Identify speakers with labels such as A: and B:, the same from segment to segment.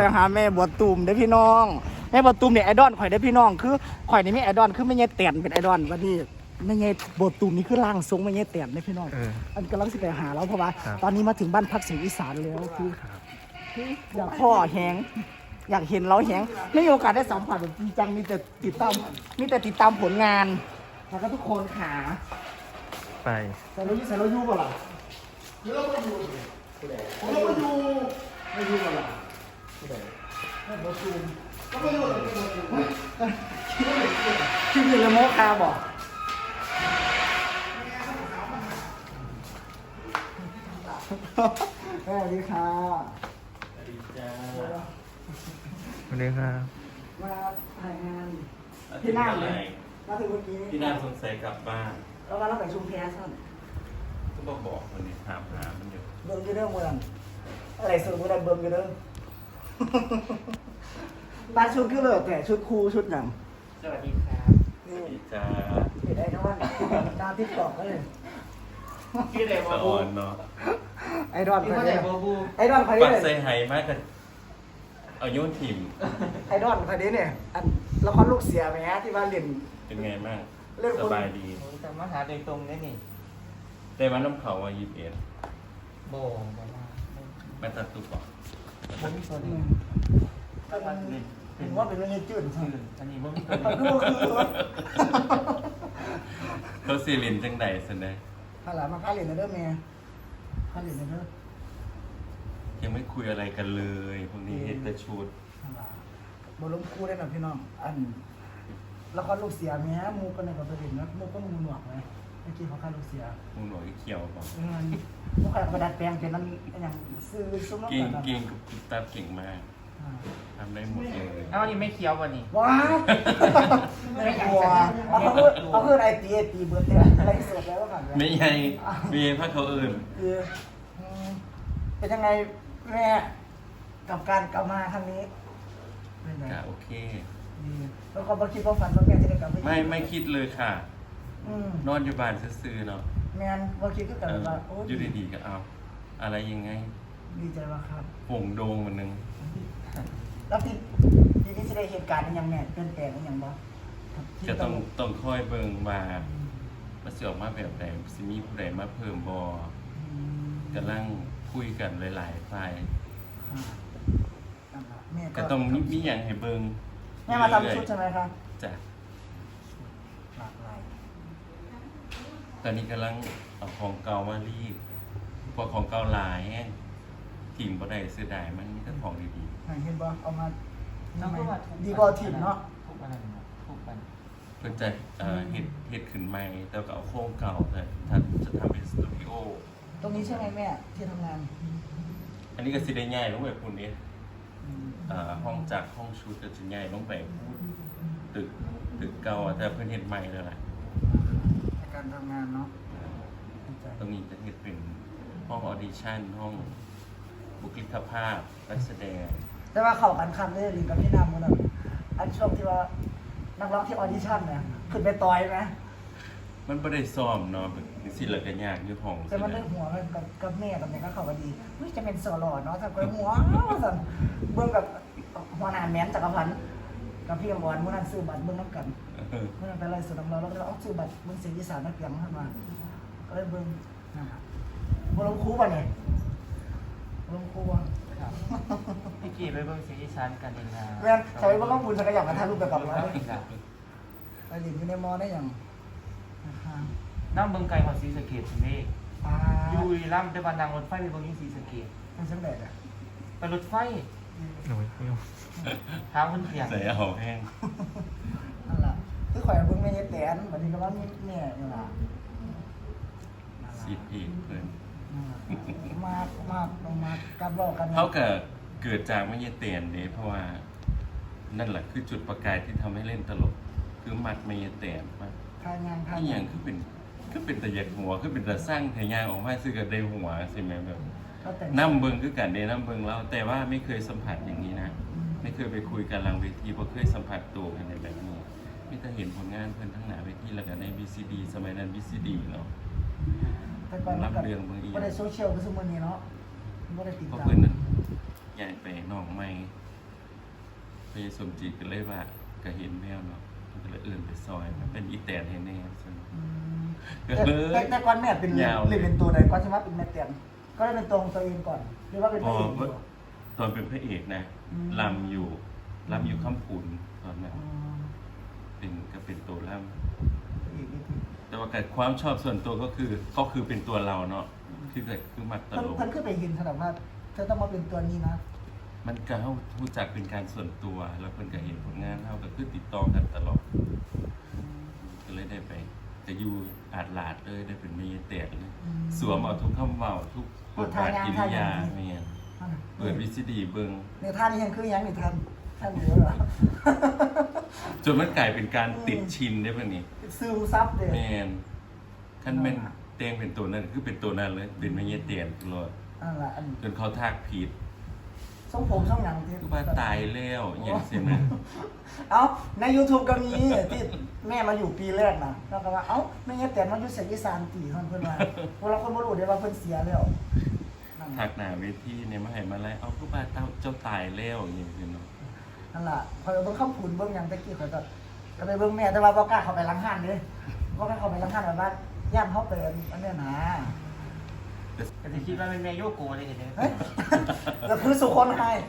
A: หาแม่บัวตูมได้พี่น้องแม่บัวตูมเนี่ยไอดอลข่อยได้พี่น้องคือข่อยนี่มีไอดอลคือไม่ใช่เตียนเป็นไอดอลวันนี้ไม่ใช่บัวตูมนี่คือร่างทรงไม่ใช่เตียนได้พี่น้องอันกำลังสิไปหาแล้วเพราะว่าตอนนี้มาถึงบ้านพักเสียงอีสานแล้วคืออยากพ่อแหงอยากเห็นเราแหงไม่มีโอกาสได้สัมผัสแบบจริงจังมีแต่ติดตามผลงานแล้วก็ทุกคนขา
B: ไป
A: ใส่รถยูเปล่าล่ะหรือเราไม่ยูผมเราไม่ยูเปล่าล่ะไม่บอซูมก็ไม่ยูเลยคิดถึงเลยโมคาบอกสวัสดีค่ะ
B: สวัสดีจ้าสวัสดีครับ
A: มาถ่ายงานที่นั่งเลยมาถึงเมื่อกี้
B: พี่น่าสงสัยกลับบ้าน
A: แล้วมาเราไปชุมแพซ่อน
B: ก็บอกคนนี้ถามหามันอยู่
A: เบิ่งอยู่เรื่องเมืองอะไรสุดเมื่อไรเบิ่งอยู่เรื่องตาชุดก็เลยแต่ชุดครูชุดหนัง
C: สวัสดีครับ
B: สวัสดีจ้า
A: เห็นไอ้น้องดาวทิพย์ตอกเลย
C: ชื่ออะไรบอบู
B: เนาะ
A: ไอ้ดอน
C: ชื่ออะไรบอบู
A: ไอ้ดอนใคร
B: ปัก
A: เนี่ย
B: ใส่ไหมากกันเอาโยนถิ่ม
A: ไอ้ดอนใครเนี่ยอันละครลูกเสียไหมฮะที่ว่าเรียน
B: เป็นไงบ้างสบายดี
C: แต่มาหาโดยตรงนี่
B: ได้วันน้ำเขาว่า21
C: โบ
B: มาตัดตุ๊กก่อน
C: ผมมีตัวนี้
A: เห็นว่าเป็นเรื่องจืดใช่ไหม
C: อันนี้ผมมีตัว
A: นี้
B: เขาซีลินจังใดสันได้
A: ข้าหลามาข้าเรียนในเรื่องเมียข้าเรียนในเรื่อง
B: ยังไม่คุยอะไรกันเลยพวกนี้เห็นแต่ชุด
A: บอลลูนคู่ได้หน่อยพี่น้องอันละครลูกเสียไหมฮะมูกันในกับประเด็นนะมูก็มูหนวกไหมเมื่อกี้เขาฆ่าลูกเสีย
B: มูหนวกเขียวป่ะ
A: มูฆ่ากระดาษแปลงเป็นนั้นอย่างซื้อซุ้มน้ำตาล
B: เก่งกับกุ๊บตับเก่งมากทำได้หมดเลย
C: เอาอันนี้ไม่เคี้ยววันนี้
A: ว้าวไม่กลัวเขาคือไอตีเบิร์ดเนี่ยอะไรสดแล้วกัน
B: ไม่ใช่มีพระเขาอื่น
A: เป็นยังไงแม่กับการกลับมาครั้งนี้
B: ก็โอเค
A: แล้วก็คิดว่าฝันว่าแม่จะได้กลับ
B: ไม่คิดเลยค่ะนอนอยู่บ้านซื่อๆเนาะ
A: แม่ว่าคิดก็แต่ว่า
B: อยู่ดีๆก็เอาอะไรยังไง
A: ดีใจว่าครับ
B: ผงโดงมันนึง
A: แล้วทีนี้จะได้เหตุการณ์ยังไงเปลี่ยนแปลงยังบ้าง
B: จะต้องค่อยเบิ่งมาสิออกมาแบบใดสิมีผู้ใดมาเพิ่มบ่กำลังคุยกันหลายๆฝ่ายก็ต้องมีอย่างให้เบิ่ง
A: แม่มาทำชุดใช่ไหมครับ
B: จ้ะ
A: หลากหลาย
B: ตอนนี้กำลังเอาของเก่ามารีดพอของเก่าหลายถิ่มบ่ได้เสียดายมันมีแต่ของดี
A: ๆเห็นบ่เอามาดีบ่ถิ่มเนาะ
C: ทุกวันทุกวัน
B: เพื่อจะเฮ็ดขึ้นใหม่แต่ก็เอาโครงเก่าแต่ถ้าจะทำเป็นสตูดิโอ
A: ตรงนี้ใช่ไหมแม่ที่ทำงาน
B: อันนี้ก็สิได้ง่ายลงไปคุณนี้ห้องจากห้องชุดก็จะง่ายลงไปตึกเก่าแต่เพิ่นเฮ็ดใหม่แล้วล่ะ
A: การทำงานเนาะ
B: ตรงนี้จะเฮ็ดเป็นห้องออดิชั่นห้องบุคลิกภาพนักแสดง
A: แต่ว่าเข้ากันคำได้ดีกับพี่น้ำมันแบบอันช่วงที่ว่านักร้องที่ออดิชั่นเนี่ยขึ้นไปต่อยไหม
B: มันไม่ได้ซ้อมเนาะสิละกันยากอยู่ห้อง
A: แต่มันได้หัวกับแม่กับแม่ก็เข้ากันดีจะเป็นโซโล่เนาะถ้าเกิดหัวสั่นเบื้องกับหัวหน้าแม้นจักรพันธ์กับพี่อมรมื่อนั้นซื้อบัตรเบื้องน้ำกันเมื่อนั้นไปไล่สุดน้ำเราแล้วก็เอาซื้อบัตรเบื้องเสียงอีสานนักเรียนขึ้นมาก็เลยเบื้องบรมครูป่ะเนี่ยบรมครูป่ะ
C: พี่กี่ไปเบื้องเสียงอีสานกันเองนะ
A: แม่ใช้เบื้องต้องบุญสักอย่างมาถ่ายรูปแบบกับเราไปหลินอยู่ในมอได้อย่าง
C: น้ำเบื้องไกลของศรีสะเกษใช่ไหมอยู่ล่ำได้บานางรถไฟไปเบื้องยิ่งศรีสะเกษ
A: มันเส้นแบบอ่ะ
C: ไปรถไฟทางมันเถียง
B: ใส่เอาแห้ง
A: นั่นแหละคือข่อยเบื้องไม่ใช่แตนวันนี้ก็ว่าเนี่ยนี่แหละ
B: สิพีเพื่อน
A: มากการบอกกัน
B: เขาเกิดจากไม่ใช่เตียนเด้เพราะว่านั่นแหละคือจุดประกายที่ทำให้เล่นตลกคือมัดไม่ใช่เตียนมากที่อย่างคือเป็นแต่หยักหัวคือเป็นแต่สร้างแถยางออกมาซื้อกับได้หัวใช่ไหมแบบน้ำเบิงคือกันเดน้ำเบิงแล้วแต่ว่าไม่เคยสัมผัสอย่างนี้นะไม่เคยไปคุยกันหลังเวทีเพราะเคยสัมผัสตัวกันในแบบนี้ไม่แต่เห็นผลงานเพื่อนทั้งหนาเวทีแล้วกันใน BCD สมัยนั้น BCD เนาะรับเรื่องบางที
A: ไม่ได้โซเชียลก็สมมตินี้เนาะไม่ได้ติดตาม
B: เพราะเพื่อนนั้นใหญ่ไปน้องใหม่พยสมจิตก็เลยว่าก็เห็นแมวเนาะมันก็เลยเอื่นไปซอยมันเป็นอีแตนให้แน่ซึ่งก็เลย
A: แต่ก่อนแม่เป็น
B: ยาว
A: เลยเป็นตัวใดก่อนใช่ไหมเป็นแม่เตียนก็เลยเป็นตัวของตัวเองก่อนหรือว่าเป็น
B: พ
A: พ
B: อ
A: ระเอกอยู่
B: ตอนเป็นพระเอกนะลำอยู่ข้ามขุนตอนนั้นก็เป็นตัวลำแต่ว่าการความชอบส่วนตัวก็คือเป็นตัวเราเนาะคือมักตลก
A: ท่านขึ้นไปยินขนาดว่าเธอต้องมาเป็นตัวนี้นะ
B: มันก็เขารู้จักเป็นการส่วนตัว แล้วเพิ่นก็เห็นผลงานเขาก็คือติดต่อกันตลอดก็เลยได้ไปแต่อยู่อาดลาดเลยได้เป็นเมียแตกเลยสวมเอาทุกคำเว้าทุกบทบาทกิริยาเมียนเปิดวิซีดีเบิ่ง
A: ในท่านี้ยังคือยังในท่านเยอะเหรอ
B: จนมันกลายเป็นการติดชินได้ป่ะนี่
A: ซึมซับเลย
B: แมนขั้นเป็นเตียงเป็นตัวนั้นคือเป็นตัวนั้นเลยเป็นเมียเตียนตลอด
A: นั่นแหละอัน
B: จนเขาทักผิด
A: ทรงผมทรงหนังที่
B: คือว่าตายแล้วอย่างเสียนะ
A: เอ้าใน YouTube ก็มีที่แม่มาอยู่ปีแรกนะแล้วก็ว่าเอ้าไม่งั้นแต่มันอยู่เสียยี่สามปีเพิ่นว่าพวกเราคนบ่รู้เด้ว่าเพิ่นเสียแล้วนั่น
B: ทักหน้าเวทีเนี่ยมาให้มาไล่เอาคือว่าเจ้าตายแล้วอย่างเสียเนาะ
A: นั่นล่ะพอเบิ่งคำพูนเบิ่งหยังตะกี้ข่อยก็ไปเบิ่งแม่แต่ว่าบ่กล้าเข้าไปหลังห้านเด้บ่กล้าเข้าไปหลังห้านแบบว่าย่านเฮาเป็นอันเนี้ยนะ
C: แต่จะคิดว่าเป็นแม่โยโกะเลยเห็นไหม
A: เฮ้ยแล้วคือสุคนให้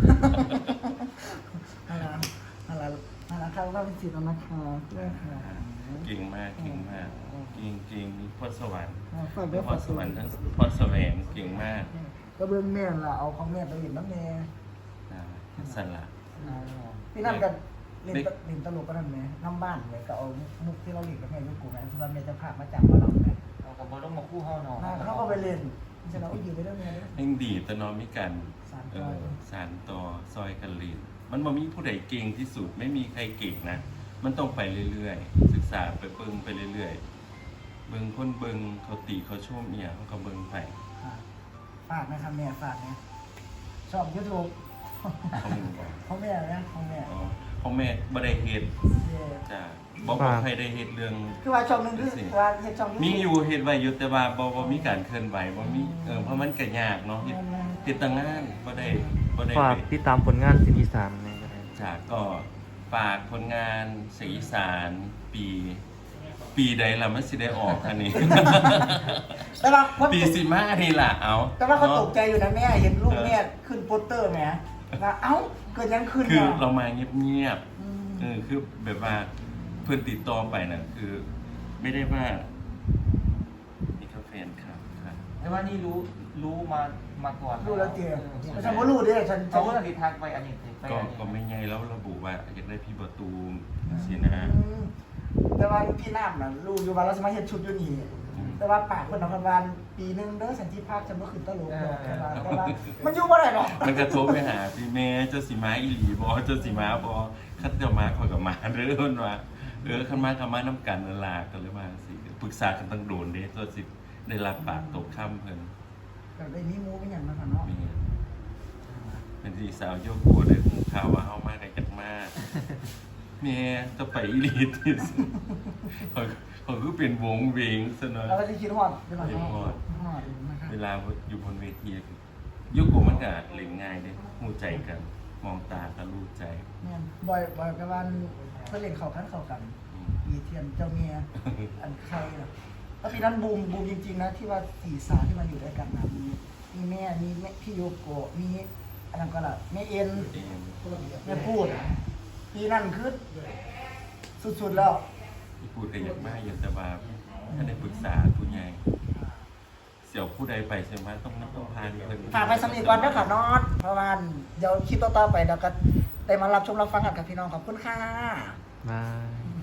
A: นั่นล่ะนั่นล่ะนั่นล่ะครับว่าเป็นสิทธิ์แล้วนะคะ
B: เก่งมากเก่งมากเก่งมีพรสวรรค์
A: ฝากด้วย
B: พรสวรรค์ทั้งพรแสวงเก่งมาก
A: ก็เบิ่งแม่ล่ะเอาของแม่ไปเล่นน้ำแม่
B: สละ
A: พี่นั่นก็เล่นตลกก็นั่นแหมน้ำบ้านเลยก็เอามุกที่เราเล่นกับแม่ยุคกูแม่ที่ว่าแม่จะพามาจับมาเราแม่
C: เรากับบอลลงมาคู่เฮาหนอ
A: เขาก็ไปเล่นฉะนั้นก็อยู่ไปเรื่องแม่เลย
B: ยังดีแต่นอนมิกันสารต่อซอยกันลีนมันบ่มีผู้ใดเก่งที่สุดไม่มีใครเก่งนะมันต้องไปเรื่อยๆศึกษาไปเบิ่งไปเรื่อยๆเบิ่งคนเบิ่งเขาติเขาชมเนี่ยเขาก็เบิ่งไป
A: ฝากนะครับแม่ฝากเนี่ยชอบยูทูบ
B: เขามึงบอก
A: ของแม่นะของแม่
B: อ๋อพ่อแม่บ่ได้เฮ็ดจ้ะบ่ใครได้เฮ็ดเรื่อง
A: คือว่าช่องนึงคือว่าเฮ็ดช่อง
B: มีอยู่เฮ็ดไว้อยู่แต่ว่าบ่มีการเคลื่อนไหวบ่มีเพราะมันก็ยากเนาะเฮ็ดตั้งงานบ่ได้
D: ฝากติดตามผลงานสินอีสานในก็ได้
B: จ้ะก็ฝากผลงานสีอีสานปีใดล่ะมันสิได้ออกอันนี้
A: แต่ว่า
B: ปีสิมานี่ล่ะเอา
A: แต่ว่าเขาตกใจอยู่นะแม่เห็นลูกแม่ขึ้นโปสเตอร์แม่ว่าเอ้าเกิดยังขึ้น
B: คือเรามาเงียบๆคือแบบว่าเพื่อนติดต่อไปน่ะคือ ไม่ได้ว่านี่ก็แฟนครับครับ
C: แต่ว่านี่รู้มาก่อน
A: รู้แล้วเจียไม่ใช่ว่ารู้เด้ฉัน
C: เขาก็ติดทักไปอันนี้ไป
B: ก็ไม่ไงแล้วระบุว่าอยากได้พี่ประตูมสินะ
A: แต่ว่าพี่น้ำน่ะรู้อยู่ว่าเราสามารถเฮ็ดชุดอยู่นี่แต่ว่าปากคนนครบาลปีนึงเด้อสันติภาพจะบ่ขึ้นตลกดอกแต่ว่ามันอยู่บ่ได้หรอก
B: มันกระทบไปหาพี่แม่เจ้าสีม้าอีหลีบอเจ้าสีม้าบอคัดเจ้าม้าคอยกับม้าเด้อเพิ่นว่าคันม้ากับม้าน้ำกันนั่นล่ะก็เลยว่าสิปรึกษากันตั้งโดนเด้ตัวสิได้รับปากตกค่ำเพิ่น
A: แต่ได้มีหมูเป็นหยังนะคะเนาะ
B: มีเป็นสีสาวโยกโกได้หูข่าวว่าเฮามาได้จักมาแม่จะไปอีหลีที่สุดเขาคือเป็นวงเวงซะหน่อย
A: เราก็จะคิดฮอดเดี๋ยวก่อน
B: คิดฮอด
A: ฮอดนะครับ
B: เวลาอยู่บนเวทียุคกูมันก็เล่นง่ายเด้หูใจกัน มองตาก็รู้ใจ
A: แม่นบ่อยกับวันเพิ่นเล่นเข้ากันมีเทียนเจ้าเมียอันใครล่ะแล้วปีนั้นบูมจริงๆนะที่ว่าสี่สาวที่มาอยู่ด้วยกันนะมีแม่มีพี่โยโกะมีอันนั้นก็ล่ะแม่เอ็น
B: เอง
A: แม่พูดปีนั้นคือสุดๆแล้ว
B: ที่พูดกันอย่างมากอย่างแต่ว่าถ้าได้ปรึกษาผู้ใหญ่เสี่ยวผู้ใดไปใช่ไหมต้องพานเพิ่น
A: ฝากไปสนิทก่อนด้วยค่ะนอตเพราะว่าเดี๋ยวคลิปต่อๆไปเดี๋ยวก็ได้มารับชมรับฟังกันกับพี่น้องขอบคุณค่ะ
D: บาย